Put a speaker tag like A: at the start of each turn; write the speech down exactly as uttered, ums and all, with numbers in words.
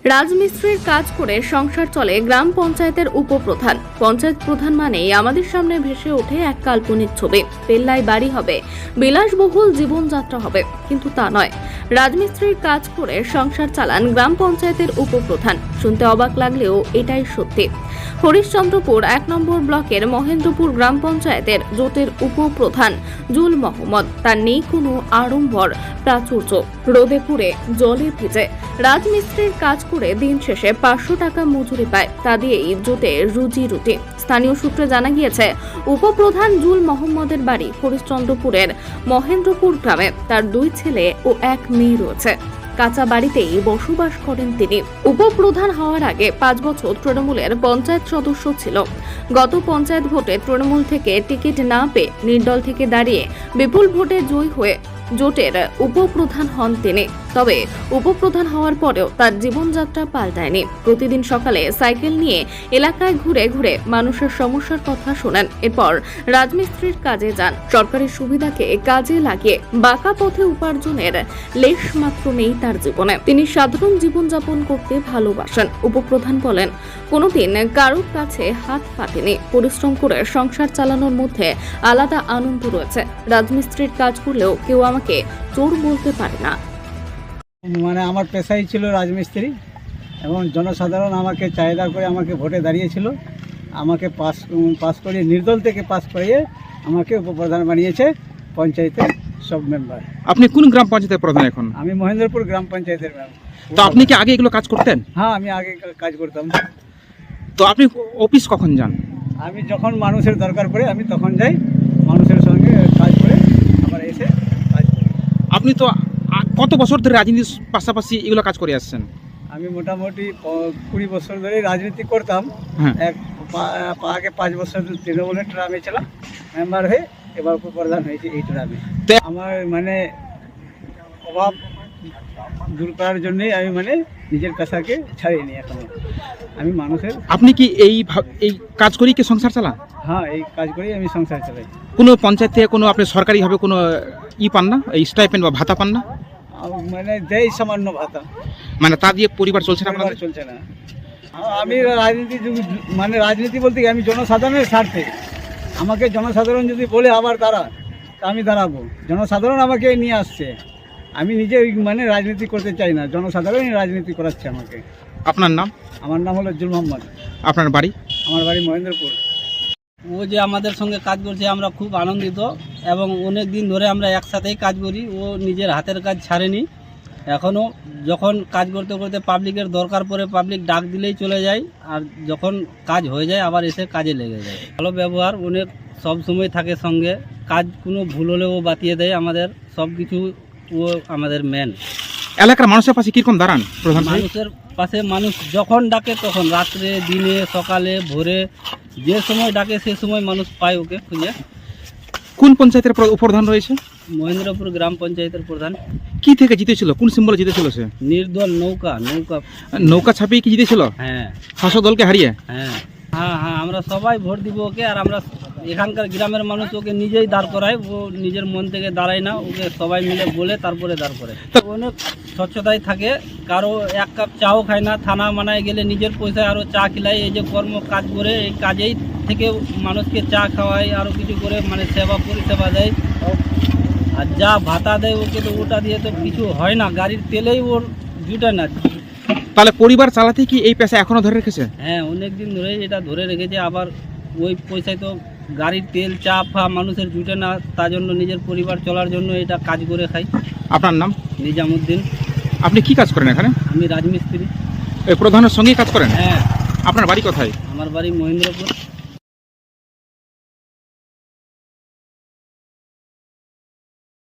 A: রাজমিস্ত্রির কাজ করে সংসার চলে গ্রাম পঞ্চায়েতের উপপ্রধান। পঞ্চায়েত প্রধান মানেই আমাদের সামনে ভেসে ওঠে এক কাল্পনিক ছবি। পেল্লায় বাড়ি হবে, বিলাসবহুল জীবনযাত্রা হবে, কিন্তু তা নয়। রাজমিস্ত্রির কাজ করে সংসার চালান গ্রাম পঞ্চায়েতের উপপ্রধান। শুনতে অবাক লাগলেও এটাই সত্যি। হরিশ্চন্দ্রপুর এক নম্বর ব্লকের মহেন্দ্রপুর গ্রাম পঞ্চায়েতের জোটের উপপ্রধান জুল মোহাম্মদ। তার নেই কোনো আড়ম্বর প্রাচুর্য, রোদে পুড়ে জলে ভিজে রাজমিস্ত্রির কাজ করে দিন শেষে পাঁচশো টাকা মজুরি পায়। তা দিয়েই জোটে রুজি রুটি। স্থানীয় সূত্রে জানা গিয়েছে, উপপ্রধান জুল মোহাম্মদের বাড়ি হরিশ্চন্দ্রপুরের মহেন্দ্রপুর গ্রামে। তার দুই ছেলে ও এক মেয়ে রয়েছে। কাঁচা বাড়িতেই বসবাস করেন তিনি। উপপ্রধান হওয়ার আগে পাঁচ বছর তৃণমূলের পঞ্চায়েত সদস্য ছিল। গত পঞ্চায়েত ভোটে তৃণমূল থেকে টিকিট না পেয়ে নির্দল থেকে দাঁড়িয়ে বিপুল ভোটে জয়ী হয়ে জোটের উপপ্রধান হন তিনি। তবে উপপ্রধান হওয়ার পরেও তার জীবনযাত্রা পাল্টায়নি। প্রতিদিন সকালে সাইকেল নিয়ে এলাকায় ঘুরে ঘুরে মানুষের সমস্যার কথা শোনেন। এরপর রাজমিস্ত্রির কাজে যান। সরকারি সুবিধাকে কাজে লাগিয়ে বাঁকা পথে উপার্জনের লেশ মাত্র নেই তার জীবনে। তিনি সাধারণ জীবনযাপন করতে ভালোবাসেন। উপপ্রধান বলেন, কোনোদিন কারোর কাছে হাত পাতেনি। পরিশ্রম করে সংসার চালানোর মধ্যে আলাদা আনন্দ রয়েছে। রাজমিস্ত্রির কাজ করলেও কেউ আমাকে চোর বলতে পারে না।
B: মানে আমার পেশাই ছিল রাজমিস্ত্রি, এবং জনসাধারণ আমাকে চাহিদা করে আমাকে ভোটে দাঁড়িয়েছিল। আমাকে পাস পাস করিয়ে নির্দল থেকে পাস করিয়ে আমাকে উপপ্রধান বানিয়েছে পঞ্চায়েতের সব মেম্বার।
C: আপনি কোন গ্রাম পঞ্চায়েতের প্রধান এখন?
B: আমি মহেন্দ্রপুর গ্রাম পঞ্চায়েতের মেম্বার।
C: তো আপনি কি আগে এগুলো কাজ করতেন?
B: হ্যাঁ, আমি আগে কাজ করতাম।
C: তো আপনি অফিস কখন যান?
B: আমি যখন মানুষের দরকার পড়ে আমি তখন যাই, মানুষের সঙ্গে কাজ করে আবার এসে কাজ করি।
C: আপনি তো কত বছর ধরে রাজনীতির পাশাপাশি এগুলো কাজ করে আসছেন?
B: আমি মোটামুটি কুড়ি বছর ধরে রাজনীতি করতাম।
C: হ্যাঁ।
B: এক আগে পাঁচ বছর তৃণমূলের ট্রামে ছিলাম মেম্বার হয়ে, এবার উপপ্রধান হয়েছে এই ট্রামে। আমার মানে অভাব দূর করার জন্যই আমি মানে নিজের পেশাকে ছাড়িয়ে এখনো আমি মানুষের।
C: আপনি কি এই এই কাজ করেই কি সংসার চালান?
B: হ্যাঁ, এই কাজ করেই আমি সংসার চালাই।
C: কোনো পঞ্চায়েত থেকে কোনো আপনি সরকারিভাবে কোনো ই পান না, এই স্টাইপেন্ড বা ভাতা পান না?
B: মানে দেয় সামান্য ভাতা,
C: মানে তা দিয়ে পরিবার চলছে না আপনাদের?
B: চলছে না। আমি রাজনীতি মানে রাজনীতি বলতে কি, আমি জনসাধারণের স্বার্থে। আমাকে জনসাধারণ যদি বলে আবার দাঁড়া, তা আমি দাঁড়াবো। জনসাধারণ আমাকে নিয়ে আসছে, আমি নিজে মানে রাজনীতি করতে চাই না, জনসাধারণই রাজনীতি করাচ্ছে আমাকে।
C: আপনার নাম?
B: আমার নাম হলো জুল মোহাম্মদ।
C: আপনার বাড়ি?
B: আমার বাড়ি মহেন্দ্রপুর।
D: ও যে আমাদের সঙ্গে কাজ করছে আমরা খুব আনন্দিত, এবং অনেক দিন ধরে আমরা একসাথেই কাজ করি। ও নিজের হাতের কাজ ছাড়েনি। এখনও যখন কাজ করতে করতে পাবলিকের দরকার পড়ে পাবলিক ডাক দিলেই চলে যায়, আর যখন কাজ হয়ে যায় আবার এসে কাজে লেগে যায়। ভালো ব্যবহার, অনেক সব সময় থাকে সঙ্গে। কাজ কোনো ভুল হলেও ও বাতিয়ে দেয় আমাদের সব কিছু। ও আমাদের মেন।
C: এলাকার মানুষের পাশে কিরকম দাঁড়ান প্রধান?
D: মানুষের পাশে মানুষ যখন ডাকে তখন, রাত্রে, দিনে, সকালে, ভোরে, যে সময় ডাকে সে সময় মানুষ পায় ওকে খুঁজে।
C: কোন পঞ্চায়েতের উপপ্রধান রয়েছে?
D: মহেন্দ্রপুর গ্রাম পঞ্চায়েতের প্রধান।
C: কি থেকে জিতেছিল? কোন সিম্বলে জিতেছিল সে?
D: নির্দল নৌকা নৌকা
C: নৌকা ছাপিয়ে কি জিতেছিল?
D: হ্যাঁ।
C: শাসক দলকে হারিয়ে?
D: হ্যাঁ হ্যাঁ হ্যাঁ আমরা সবাই ভোট দিব ওকে। আর আমরা এখানকার গ্রামের মানুষ ওকে নিজেই দাঁড় করায়। ও নিজের মন থেকে দাঁড়ায় না, ওকে সবাই মিলে বলে তারপরে দাঁড় করে। অনেক স্বচ্ছতায় থাকে, কারো এক কাপ চাও খায় না। থানা মানায় গেলে নিজের পয়সায় আরও চা খিলায়। এই যে কর্ম কাজ করে, এই কাজেই থেকে মানুষকে চা খাওয়ায়, আরও কিছু করে মানে সেবা পরিষেবা দেয়। আর যা ভাতা দেয় ওকে, তো ওটা দিয়ে তো কিছু হয় না। গাড়ির তেলেই ওর জুটে না।
C: তাহলে পরিবার চালাতে কি এই পেশা এখনো ধরে রেখেছে?
D: হ্যাঁ, অনেক দিন ধরেই এটা ধরে রেখেছে। আবার ওই পয়সায় তো গাড়ির তেল, চা ফা মানুষের জুটে না, তার জন্য নিজের পরিবার চলার জন্য এটা কাজ করে খাই।
C: আপনার নাম?
D: নিজামুদ্দিন।
C: আপনি কি কাজ করেন এখানে?
D: আমি রাজমিস্ত্রি।
C: এই প্রধানের সঙ্গেই কাজ করেন?
D: হ্যাঁ।
C: আপনার বাড়ি কোথায়?
D: আমার বাড়ি মহেন্দ্রপুর।